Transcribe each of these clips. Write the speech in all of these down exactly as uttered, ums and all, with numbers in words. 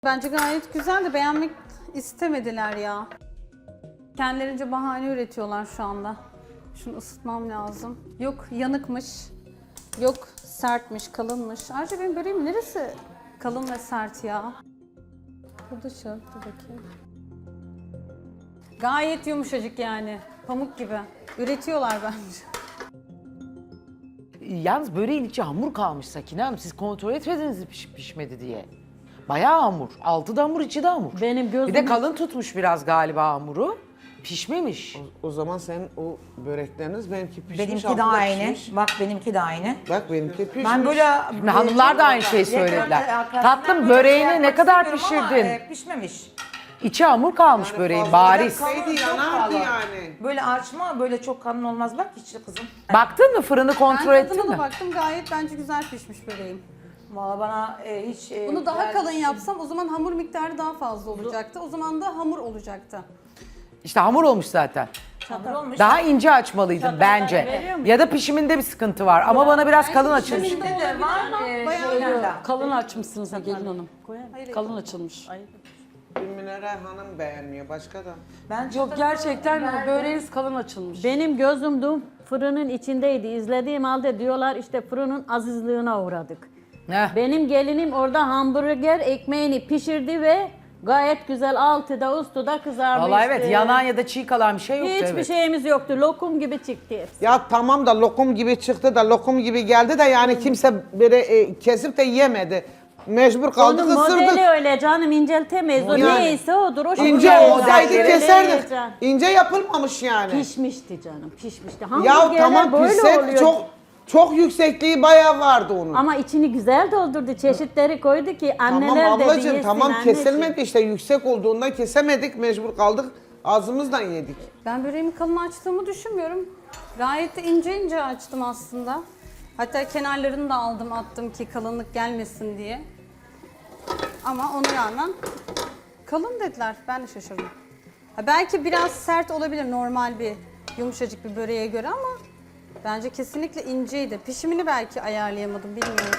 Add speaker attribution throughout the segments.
Speaker 1: Bence gayet güzel de beğenmek istemediler ya. Kendilerince bahane üretiyorlar şu anda. Şunu ısıtmam lazım. Yok yanıkmış, yok sertmiş, kalınmış. Ayrıca benim böreğim neresi kalın ve sert ya? Bu dışı, dur bakayım. Gayet yumuşacık yani, pamuk gibi. Üretiyorlar bence.
Speaker 2: Yalnız böreğin içi hamur kalmış Sakine Hanım. Siz kontrol etmediniz mi piş, pişmedi diye. Bayağı hamur. Altı da hamur, içi de hamur.
Speaker 3: Benim gözüm...
Speaker 2: Bir de kalın tutmuş biraz galiba hamuru. Pişmemiş.
Speaker 4: O, o zaman sen o börekleriniz benimki pişmiş.
Speaker 5: Benimki
Speaker 4: altı
Speaker 5: de
Speaker 4: da
Speaker 5: aynı.
Speaker 4: pişmiş.
Speaker 5: Bak benimki de aynı.
Speaker 4: Bak benimki pişmiş.
Speaker 5: Ben böyle...
Speaker 2: Şimdi hanımlar da aynı şeyi söylediler. Tatlım böreğini ne kadar pişirdin?
Speaker 5: e, pişmemiş.
Speaker 2: İçi hamur kalmış böreğin
Speaker 4: fazla
Speaker 2: bariz.
Speaker 4: bıraksaydı
Speaker 5: Çok
Speaker 4: yanardı
Speaker 5: kalın.
Speaker 4: yani.
Speaker 5: Böyle açma, böyle çok kalın olmaz. Bak içli kızım.
Speaker 2: Baktın mı fırını kontrol
Speaker 1: Ben
Speaker 2: ettin
Speaker 1: tadına da
Speaker 2: mi?
Speaker 1: baktım, gayet bence güzel pişmiş böreğim.
Speaker 5: Valla bana e, hiç... e,
Speaker 1: Bunu daha
Speaker 5: güzel
Speaker 1: kalın
Speaker 5: bir şey-
Speaker 1: yapsam o zaman hamur miktarı daha fazla olacaktı. O zaman da hamur olacaktı.
Speaker 2: İşte hamur olmuş zaten.
Speaker 5: Hamur olmuş.
Speaker 2: Daha ince açmalıydın bence.
Speaker 3: veriyor mu?
Speaker 2: Ya da pişiminde bir sıkıntı var ama bana biraz kalın açılmış.
Speaker 5: Şimdi de var. E,
Speaker 1: Bayağı
Speaker 5: şeylerle.
Speaker 3: Kalın açmışsınız gelin hanım.
Speaker 1: Hayır,
Speaker 3: Kalın açılmış.
Speaker 4: Bir Münere Hanım beğenmiyor, başka da.
Speaker 5: Bence
Speaker 3: Yok gerçekten böreğiniz kalın açılmış.
Speaker 6: Benim gözüm dün fırının içindeydi. İzlediğim halde diyorlar işte fırının azizliğine uğradık.
Speaker 2: Heh.
Speaker 6: Benim gelinim orada hamburger ekmeğini pişirdi ve gayet güzel altıda üstüde kızarmıştı.
Speaker 2: Vallahi evet yanan ya da çiğ kalan bir şey yoktu.
Speaker 6: Hiçbir
Speaker 2: evet.
Speaker 6: şeyimiz yoktu. Lokum gibi çıktı hepsi.
Speaker 4: Ya tamam da lokum gibi çıktı da lokum gibi geldi de yani kimse böyle e, kesip de yemedi. Mecbur kaldık,
Speaker 6: Onun
Speaker 4: ısırdık.
Speaker 6: modeli öyle canım, inceltemeyiz. O
Speaker 4: Yani.
Speaker 6: neyse odur. O
Speaker 4: İnce
Speaker 6: şekilde
Speaker 4: olsaydı
Speaker 6: öyle
Speaker 4: keserdik.
Speaker 6: yiyeceksin.
Speaker 4: İnce yapılmamış yani.
Speaker 6: Pişmişti canım, pişmişti.
Speaker 4: Ya
Speaker 6: Hamburgerler
Speaker 4: tamam
Speaker 6: böyle
Speaker 4: pişseydi
Speaker 6: oluyor.
Speaker 4: çok çok yüksekliği bayağı vardı onun.
Speaker 6: Ama içini güzel doldurdu. Çeşitleri koydu ki anneler
Speaker 4: Tamam
Speaker 6: dedi
Speaker 4: ablacığım
Speaker 6: yesin
Speaker 4: tamam
Speaker 6: anneciğim.
Speaker 4: kesilmedi işte yüksek olduğundan kesemedik mecbur kaldık ağzımızdan yedik.
Speaker 1: Ben böreğimi kalın açtığımı düşünmüyorum. Gayet de ince ince açtım aslında. Hatta kenarlarını da aldım attım ki kalınlık gelmesin diye. Ama ona rağmen kalın dediler. Ben de şaşırdım. Ha, belki biraz sert olabilir normal bir yumuşacık bir böreğe göre ama bence kesinlikle inceydi. Pişimini belki ayarlayamadım bilmiyorum.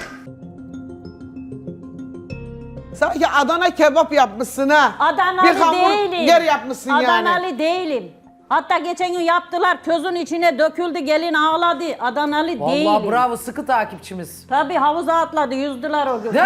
Speaker 4: Sanki Adana kebap yapmışsın ha.
Speaker 6: Adanalı
Speaker 4: bir hamur
Speaker 6: değilim.
Speaker 4: yer yapmışsın
Speaker 6: Adanalı
Speaker 4: yani.
Speaker 6: değilim. Hatta geçen gün yaptılar, közün içine döküldü, gelin ağladı. Adanalı değilim.
Speaker 2: Vallahi bravo sıkı takipçimiz.
Speaker 6: Tabii havuza atladı, yüzdüler o gün.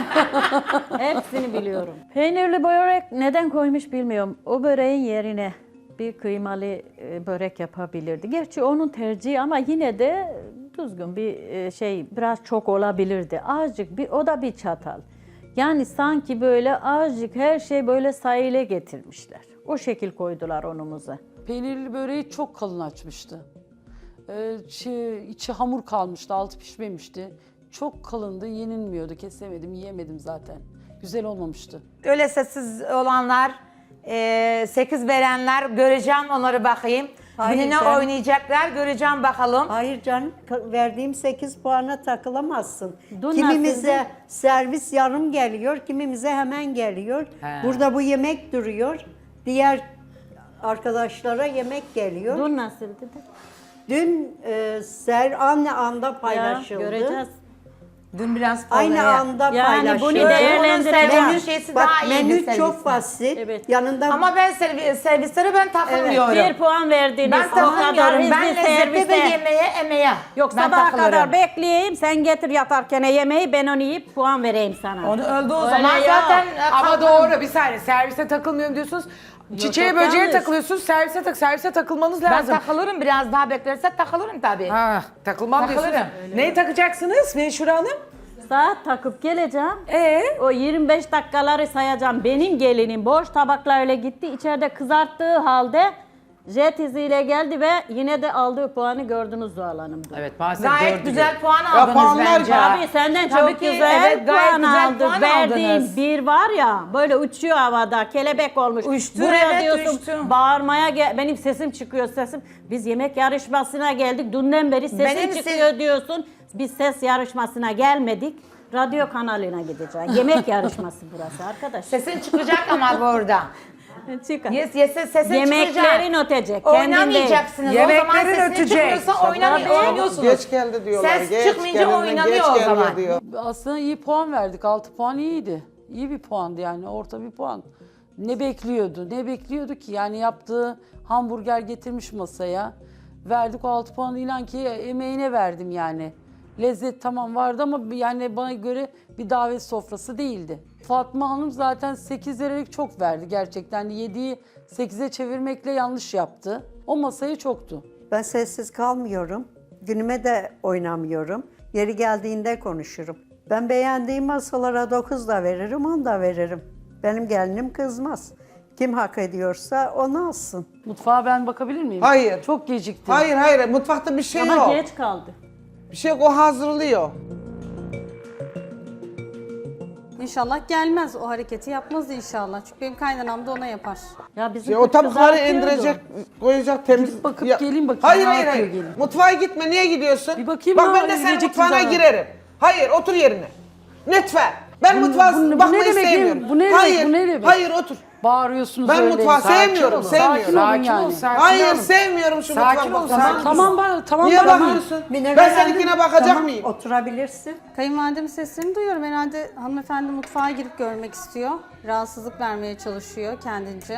Speaker 6: Hepsini biliyorum. Peynirli börek neden koymuş bilmiyorum. O böreğin yerine bir kıymalı e, börek yapabilirdi. Gerçi onun tercihi ama yine de düzgün bir e, şey, biraz çok olabilirdi. Azıcık bir, o da bir çatal. Yani sanki böyle azıcık her şey böyle sayıyla getirmişler. O şekil koydular onumuza.
Speaker 3: Peynirli böreği çok kalın açmıştı. Ee, şey, içi hamur kalmıştı, altı pişmemişti. Çok kalındı, yenilmiyordu, kesemedim, yiyemedim zaten. Güzel olmamıştı.
Speaker 5: Öyle sessiz olanlar, e, sekiz verenler göreceğim onları bakayım.
Speaker 7: Hayır
Speaker 5: Gününe
Speaker 7: canım.
Speaker 5: oynayacaklar göreceğim bakalım.
Speaker 7: Hayır canım, ka- verdiğim sekiz puana takılamazsın.
Speaker 6: Dün
Speaker 7: Kimimize
Speaker 6: nasıldı?
Speaker 7: servis yarım geliyor, kimimize hemen geliyor.
Speaker 2: He.
Speaker 7: Burada bu yemek duruyor. Diğer arkadaşlara yemek geliyor.
Speaker 6: Dün nasıldı?
Speaker 7: Dün e, ser aynı anda
Speaker 6: Ya,
Speaker 7: paylaşıldı.
Speaker 6: göreceğiz.
Speaker 5: Dün biraz fazla.
Speaker 7: Aynı anda
Speaker 6: Yani bunu
Speaker 7: paylaşıldı.
Speaker 6: değerlendirelim.
Speaker 5: Menü şeysi
Speaker 7: Bak
Speaker 5: daha iyi
Speaker 7: menü çok basit.
Speaker 6: Evet.
Speaker 7: Yanında
Speaker 5: Ama ben servi, servislere ben takılmıyorum.
Speaker 6: Bir puan verdiniz.
Speaker 5: Ben
Speaker 6: O kadar
Speaker 5: takılmıyorum.
Speaker 6: hızlı
Speaker 5: Ben lezzete ve
Speaker 6: servise.
Speaker 5: yemeğe, emeğe.
Speaker 6: Yok
Speaker 5: ben
Speaker 6: sabaha
Speaker 5: takılırım.
Speaker 6: kadar bekleyeyim, sen getir yatarken yemeği, ben onu yiyip puan vereyim sana.
Speaker 5: Onu öldü o
Speaker 6: Öyle
Speaker 5: zaman
Speaker 6: ya.
Speaker 5: zaten. e,
Speaker 2: Ama
Speaker 5: kalkarım.
Speaker 2: doğru bir saniye servise takılmıyorum diyorsunuz. Çiçeğe
Speaker 6: çok
Speaker 2: böceğe
Speaker 6: yanlış.
Speaker 2: takılıyorsunuz servise tak servise takılmanız
Speaker 5: Ben
Speaker 2: lazım.
Speaker 5: takılırım biraz daha beklerse takılırım tabii.
Speaker 2: Ha, takılmam
Speaker 5: Takılırım.
Speaker 2: diyorsunuz. Neyi takacaksınız Menşure Hanım?
Speaker 6: Saat takıp geleceğim.
Speaker 2: Ee?
Speaker 6: O yirmi beş dakikaları sayacağım. Benim gelinim boş tabaklarla gitti. İçeride kızarttığı halde jet iziyle geldi ve yine de aldığı puanı gördünüz Zuhal Hanım.
Speaker 2: Evet maalesef
Speaker 5: Gayet
Speaker 2: dördü
Speaker 5: güzel puan
Speaker 4: Ya
Speaker 5: aldınız
Speaker 4: puanlar-
Speaker 5: bence.
Speaker 6: Tabii senden
Speaker 5: Tabii
Speaker 6: çok
Speaker 5: ki,
Speaker 6: güzel
Speaker 5: evet, gayet
Speaker 6: puan
Speaker 5: güzel
Speaker 6: aldık.
Speaker 5: puan
Speaker 6: Verdiğin
Speaker 5: aldınız.
Speaker 6: bir var ya böyle uçuyor havada, kelebek olmuş.
Speaker 5: Uçtu,
Speaker 6: Buraya
Speaker 5: evet,
Speaker 6: diyorsun
Speaker 5: uçtu.
Speaker 6: bağırmaya gel, benim sesim çıkıyor sesim. Biz yemek yarışmasına geldik. Dünden beri sesin
Speaker 5: Benim ses-
Speaker 6: çıkıyor diyorsun. Biz ses yarışmasına gelmedik. Radyo kanalına gideceğiz. Yemek yarışması burası arkadaş.
Speaker 5: Sesin çıkacak ama burada.
Speaker 6: Çıkar.
Speaker 5: Yes, yes, sesin
Speaker 6: Yemeklerin
Speaker 5: çıkacak.
Speaker 6: ötecek. kendin değil.
Speaker 5: Oynamayacaksınız. O zaman
Speaker 2: Yemeklerin
Speaker 5: sesin
Speaker 2: ötecek.
Speaker 5: çıkmıyorsa oynamıyor,
Speaker 6: Tabii.
Speaker 5: oynuyorsunuz.
Speaker 4: Geç geldi diyorlar.
Speaker 5: Ses
Speaker 4: geç
Speaker 5: çıkmayınca
Speaker 4: gelinden
Speaker 5: oynanıyor
Speaker 4: geç
Speaker 5: o
Speaker 4: geliyor
Speaker 5: zaman.
Speaker 4: diyor.
Speaker 3: Aslında iyi puan verdik, altı puan iyiydi. İyi bir puandı yani, orta bir puan. Ne bekliyordu, ne bekliyordu ki? Yani yaptığı hamburger getirmiş masaya. Verdik o altı puanı, inan ki emeğine verdim yani. Lezzet tamam vardı ama yani bana göre bir davet sofrası değildi. Fatma Hanım zaten sekiz vererek çok verdi gerçekten. yediyi sekize çevirmekle yanlış yaptı. O masayı çoktu.
Speaker 7: Ben sessiz kalmıyorum. Günüme de oynamıyorum. Yeri geldiğinde konuşurum. Ben beğendiğim masalara dokuz da veririm, on da veririm. Benim gelinim kızmaz. Kim hak ediyorsa onu alsın.
Speaker 3: Mutfağa ben bakabilir miyim?
Speaker 4: Hayır.
Speaker 3: Çok gecikti.
Speaker 4: Hayır hayır mutfakta bir şey
Speaker 6: Ama
Speaker 4: yok.
Speaker 6: geç kaldı.
Speaker 4: Bir şey yok, o hazırlıyor.
Speaker 1: İnşallah gelmez, o hareketi yapmaz inşallah. Çünkü benim kaynanam da ona yapar.
Speaker 6: Ya bizim
Speaker 4: Ya o
Speaker 6: kız
Speaker 4: tabakları
Speaker 6: kızartıyordu.
Speaker 4: indirecek, koyacak temiz.
Speaker 3: Gidip bakıp
Speaker 4: Ya-
Speaker 3: geleyim bakayım,
Speaker 4: Hayır
Speaker 3: ne
Speaker 4: hayır
Speaker 3: yapıyor
Speaker 4: hayır.
Speaker 3: gelin?
Speaker 4: Mutfağa gitme, niye gidiyorsun?
Speaker 3: Bir bakayım
Speaker 4: Bak
Speaker 3: ne
Speaker 4: ben de
Speaker 3: var,
Speaker 4: senin
Speaker 3: gidecek
Speaker 4: mutfağına
Speaker 3: zaten.
Speaker 4: girerim. Hayır otur yerine. Lütfen. Ben
Speaker 3: Bu-
Speaker 4: mutfağa
Speaker 3: bu- bu
Speaker 4: bakmayı
Speaker 3: ne demek,
Speaker 4: sevmiyorum.
Speaker 3: bu ne demek,
Speaker 4: hayır,
Speaker 3: bu ne demek?
Speaker 4: hayır otur.
Speaker 3: Bağırıyorsunuz
Speaker 4: Ben
Speaker 3: öyle.
Speaker 4: mutfağı
Speaker 3: Sakin
Speaker 4: sevmiyorum,
Speaker 3: olun.
Speaker 4: sevmiyorum.
Speaker 3: Sakin olun
Speaker 2: Sakin
Speaker 3: yani.
Speaker 2: ol, sakin
Speaker 4: Hayır
Speaker 2: ol.
Speaker 4: sevmiyorum şu
Speaker 2: Sakin
Speaker 4: mutfağı.
Speaker 2: ol,
Speaker 4: bakmayı.
Speaker 2: sakin ol.
Speaker 3: Tamam ben tamam
Speaker 4: Niye
Speaker 3: ben-
Speaker 4: bakıyorsun?
Speaker 7: Mine
Speaker 4: Ben
Speaker 7: beğendim.
Speaker 4: seninkine bakacak
Speaker 7: Tamam,
Speaker 4: mıyım?
Speaker 7: oturabilirsin.
Speaker 1: Kayınvalidemin seslerini duyuyorum. Herhalde hanımefendi mutfağa girip görmek istiyor. Rahatsızlık vermeye çalışıyor kendince.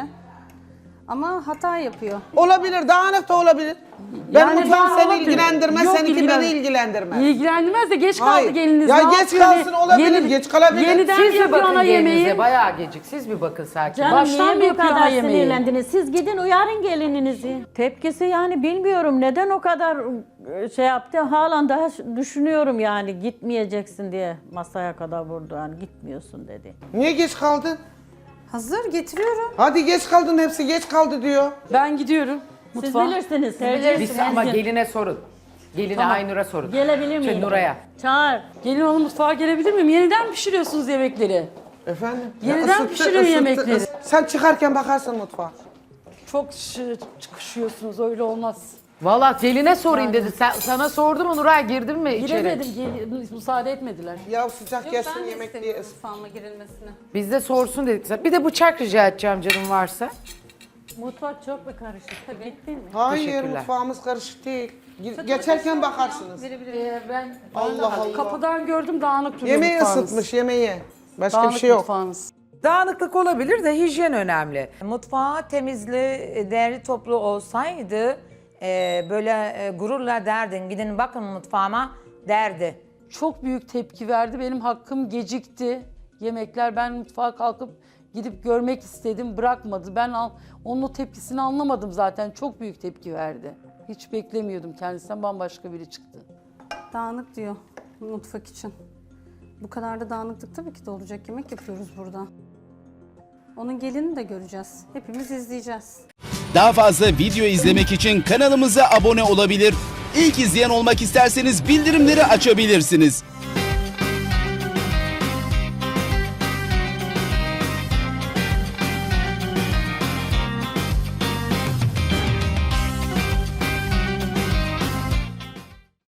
Speaker 1: Ama hata yapıyor.
Speaker 4: Olabilir, dağınık da olabilir. Ben
Speaker 3: Yani
Speaker 4: mutfağım
Speaker 3: ben
Speaker 4: seni
Speaker 3: olabilir.
Speaker 4: ilgilendirmez,
Speaker 3: Yok,
Speaker 4: seninki
Speaker 3: ilgilen-
Speaker 4: beni ilgilendirmez.
Speaker 3: İlgilendirmez de geç kaldı
Speaker 4: Hayır.
Speaker 3: geliniz.
Speaker 4: Ya
Speaker 3: ne
Speaker 4: geç
Speaker 3: yapsın?
Speaker 4: kalsın, olabilir,
Speaker 3: Yeni-
Speaker 4: geç kalabilir.
Speaker 3: Yeniden
Speaker 2: Siz
Speaker 3: mi
Speaker 2: bir
Speaker 3: yapıyor
Speaker 2: bakın
Speaker 3: ana
Speaker 2: gelinize,
Speaker 3: yemeği?
Speaker 2: bayağı gecik. Siz bir bakın sakin.
Speaker 6: Canım
Speaker 3: Baştan
Speaker 6: niye
Speaker 3: mı
Speaker 6: bu
Speaker 3: yapıyor
Speaker 6: kadar
Speaker 3: ha yemeği?
Speaker 6: sinirlendiniz? Siz gidin uyarın gelininizi. Tepkisi yani bilmiyorum neden o kadar e, şey yaptı. Halen daha düşünüyorum yani gitmeyeceksin diye masaya kadar vurdu. Yani gitmiyorsun dedi.
Speaker 4: Niye geç kaldın?
Speaker 1: Hazır getiriyorum.
Speaker 4: Hadi geç kaldın, hepsi geç kaldı diyor.
Speaker 3: Ben gidiyorum
Speaker 6: Siz
Speaker 3: mutfağa.
Speaker 6: bilirsiniz. tercih
Speaker 2: Biz
Speaker 6: etsin.
Speaker 2: ama geline sorun. Geline Aynur'a sorun.
Speaker 6: Gelebilir
Speaker 2: Şey,
Speaker 6: miyim?
Speaker 2: Nuray'a.
Speaker 6: Çağır.
Speaker 3: Gelin hanım mutfağa gelebilir miyim? Yeniden pişiriyorsunuz yemekleri.
Speaker 4: Efendim?
Speaker 3: Yeniden
Speaker 4: Ya ısıttı,
Speaker 3: pişiriyor
Speaker 4: ısıttı,
Speaker 3: yemekleri.
Speaker 4: ıs- Sen çıkarken bakarsın mutfağa.
Speaker 3: Çok şı- çıkışıyorsunuz, öyle olmaz.
Speaker 2: Valla geline sorayım dedi. Sen, sana sordu mu Nuray, girdin mi içeri?
Speaker 3: Giremedim, gel- müsaade etmediler.
Speaker 4: Ya sıcak
Speaker 1: Yok,
Speaker 4: gelsin
Speaker 1: ben de
Speaker 4: yemek diye.
Speaker 1: istemiyorum mutfağıma girilmesini.
Speaker 2: Biz de sorsun dedik. Bir de bıçak rica edeceğim canım varsa.
Speaker 6: Mutfak çok mu karışık? Tabii. Gittin mi?
Speaker 4: Hayır
Speaker 2: Teşekkürler.
Speaker 4: mutfağımız karışık değil. Ge- Geçerken bakarsınız.
Speaker 1: Verebilirim.
Speaker 3: ben
Speaker 4: Allah Allah.
Speaker 3: kapıdan gördüm, dağınık duruyor
Speaker 4: Yemeği
Speaker 3: mutfağınız.
Speaker 4: ısıtmış yemeği. Başka
Speaker 3: Dağınık
Speaker 4: bir şey yok.
Speaker 3: mutfağınız.
Speaker 2: Dağınıklık olabilir de hijyen önemli.
Speaker 5: Mutfağı temizli, değerli toplu olsaydı e, böyle e, gururla derdin. Gidin bakın mutfağıma derdi.
Speaker 3: Çok büyük tepki verdi. Benim hakkım gecikti. Yemekler, ben mutfağa kalkıp gidip görmek istedim. Bırakmadı. Ben al, onun o tepkisini anlamadım zaten. Çok büyük tepki verdi. Hiç beklemiyordum kendisinden, bambaşka biri çıktı.
Speaker 1: Dağınık diyor mutfak için. Bu kadar da dağınıklık tabii ki de olacak. Yemek yapıyoruz burada. Onun gelini de göreceğiz. Hepimiz izleyeceğiz.
Speaker 8: Daha fazla video izlemek için kanalımıza abone olabilir. İlk izleyen olmak isterseniz bildirimleri açabilirsiniz.